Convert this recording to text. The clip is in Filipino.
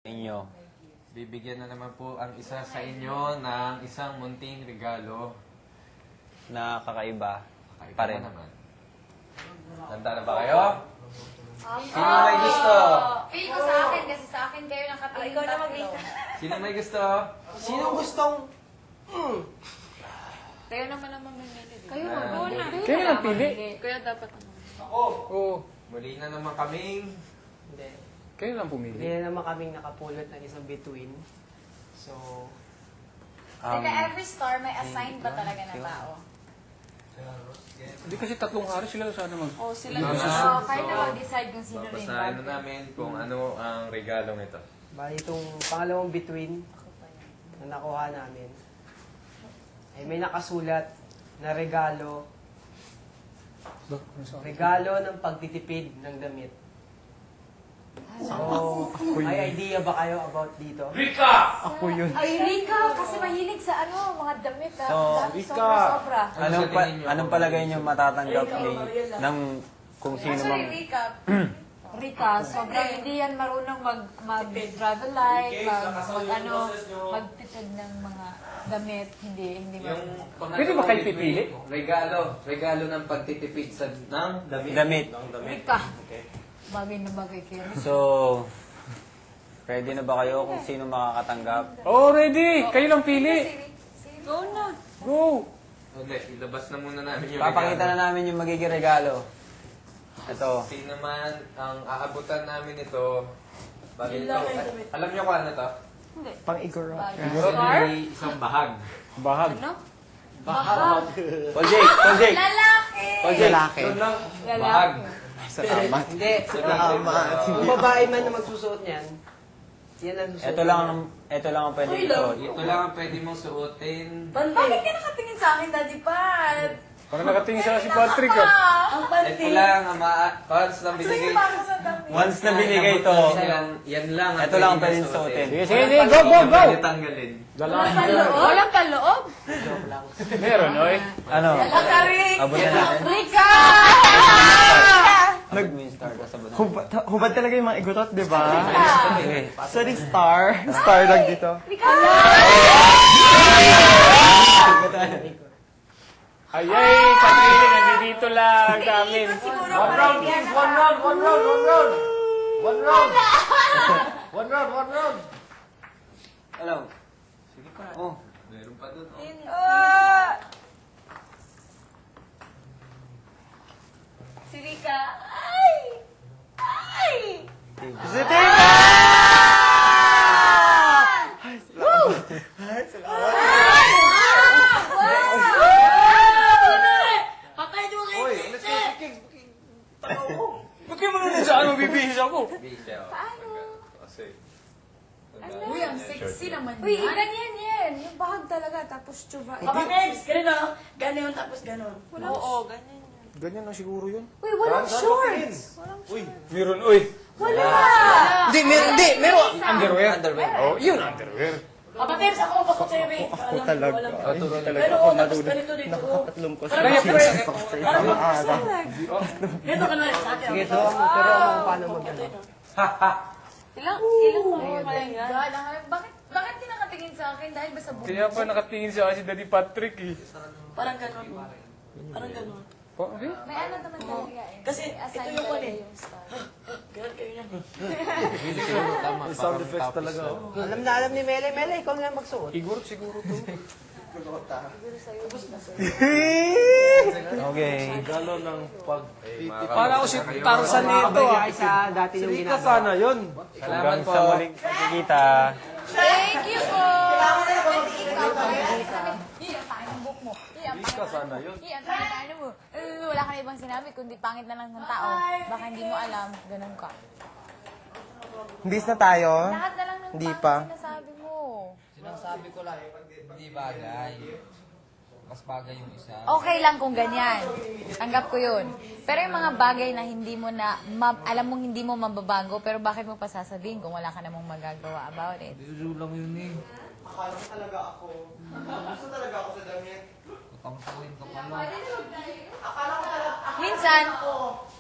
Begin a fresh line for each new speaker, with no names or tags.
inyo.
Bibigyan na naman po ang isa sa inyo ng isang munting regalo.
Na kakaiba
Kakaiba
pa rin.
naman. Handa na ba kayo? Sino may gusto?
Feel ko sa akin kasi sa akin kayo nakatingin.
Ikaw na mag-isa.
Sino may gusto?
Sino gustong...
Kayo naman ang mamimili.
Kayo na.
Kayo lang pili.
Kaya dapat ano.
Oo.
Muli na naman kaming...
Hindi.
Kayo lang pumili.
Hindi na naman kaming nakapulot ng isang bituin. So...
Every star may assigned ba talaga na tao?
Hindi kasi tatlong hari sila sana mag...
Oh, sila
Mama,
na.
Kayo na mag-decide kung sino rin.
babasahin na namin kung ano ang regalong ito.
Bali itong pangalawang bituin na nakuha namin ay may nakasulat na regalo. Regalo ng pagtitipid ng damit. So, may idea ba kayo about dito?
Ako yun.
Ay, Rika! Kasi mahilig sa mga damit.
So,
Sobra-sobra.
Anong palagay nyo matatanggap ng kung sino mang...
Recap.
Rika, sobrang hindi yan marunong mag-travel light, magtipid ng mga damit. Hindi marunong.
Pwede ba kayo pipili?
Regalo ng pagtitipid ng damit.
Rika, bagay na bagay kayo.
So, ready na ba kayo kung sino makakatanggap?
Oh, ready! Kayo lang pili!
Go na.
Go!
Okay, ilabas na muna namin yung
Papakita na namin yung magiging regalo. Ito.
Sino naman ang aabutan namin ito. Bali ito. Alam niyo kung ano to?
Pang-igoro.
Isang bahag.
Bahag.
Ano?
Paul Jake!
Lalaki!
Lalaki.
Yun lang. Bahag.
Salamat.
Hindi. Kung babae man na magsusuot niyan, yan ang susuot.
Ito lang ang pwede isuot.
Ito lang ang pwede mong suotin.
Bakit ka nakatingin sa akin, Daddy Pat?
Parang nakatingin sa si Patrick ah.
Ang
Ito
panty.
lang ang once lang binigay.
Once
na binigay ito,
Yan lang.
ito lang ang pwede suotin.
Sige, sige, go, go, go!
Pwede tanggalin.
Walang paloob?
Meron, oy.
Ano?
Rick!
Abot na natin.
Rika!
Abot mo yung star ko sa bunan.
Hubad talaga yung mga igutot, di ba?
Okay.
Sorry, star. Star lang dito.
Ay, Patrick, nandito lang sa amin.
One round, please. One round.
Hello. Sige pa. Oh.
Meron pa dun.
Si Rika. Ay! Patay mo kayo,
Ba't kayo manunod sa ano, bibihis ako?
Paano? Kasi.
Uy, ang sexy naman
Uy,
yan.
ganyan yan. Yung bahag talaga, tapos tsuba.
Kapag-ex, gano'n. Gano'n, tapos gano'n. Oo, ganyan.
Ganyan lang siguro yun.
Uy, walang shorts.
Meron, oy.
Wala.
Hindi, meron.
Underwear. Oh, yun underwear.
Kapag-ex, ako mapakot sa'yo, Rick.
Ako talaga. Ay, hindi talaga
Pero
ako
tapos
madudod.
ganito dito.
Nakatatlong ko sa
Parang
isang
pwede.
stock sa isang araw.
Ganito ka na rin sa akin.
Sige, turo mo paano mag-ano.
Ilang mo kaya yan?
God, bakit di nakatingin sa akin? Dahil ba sa buhay?
Kaya pa nakatingin sa akin si Daddy Patrick eh.
Parang gano'n. Parang gano'n.
Okay.
May ano naman talaga eh.
Kasi
May assign
ito yung
talaga
ano eh.
yung star.
Ganun kayo yan.
Tama.
May sound effects talaga.
Alam na alam ni Mele. Mele, ikaw nga magsuot.
Siguro to.
Okay.
Regalo ng pag...
Para ako si Tarzan nito ah.
Ay, sa dati yung
Rika
ginagawa.
sana yun.
Hanggang sa muling pagkikita.
Thank you po! Iyan, pangit ang book mo.
Rika sana yun.
Iyan, pangit mo. Wala ka na ibang sinabi, kundi pangit na lang ng tao. Baka hindi mo alam, ganun ka.
Bis na tayo.
Lahat na lang ng
Hindi
pangit
pa.
sinasabi mo.
Sinasabi ko lang, hindi bagay. Mas bagay yung isa.
Okay lang kung ganyan. Tanggap ko yun. Pero yung mga bagay na hindi mo na, alam mong hindi mo mababago, pero bakit mo pa sasabihin kung wala ka namang magagawa about it?
Biro lang yun eh.
Akala ko talaga ako. Gusto talaga ako sa damit.
Pangsakin ka pala.
Minsan,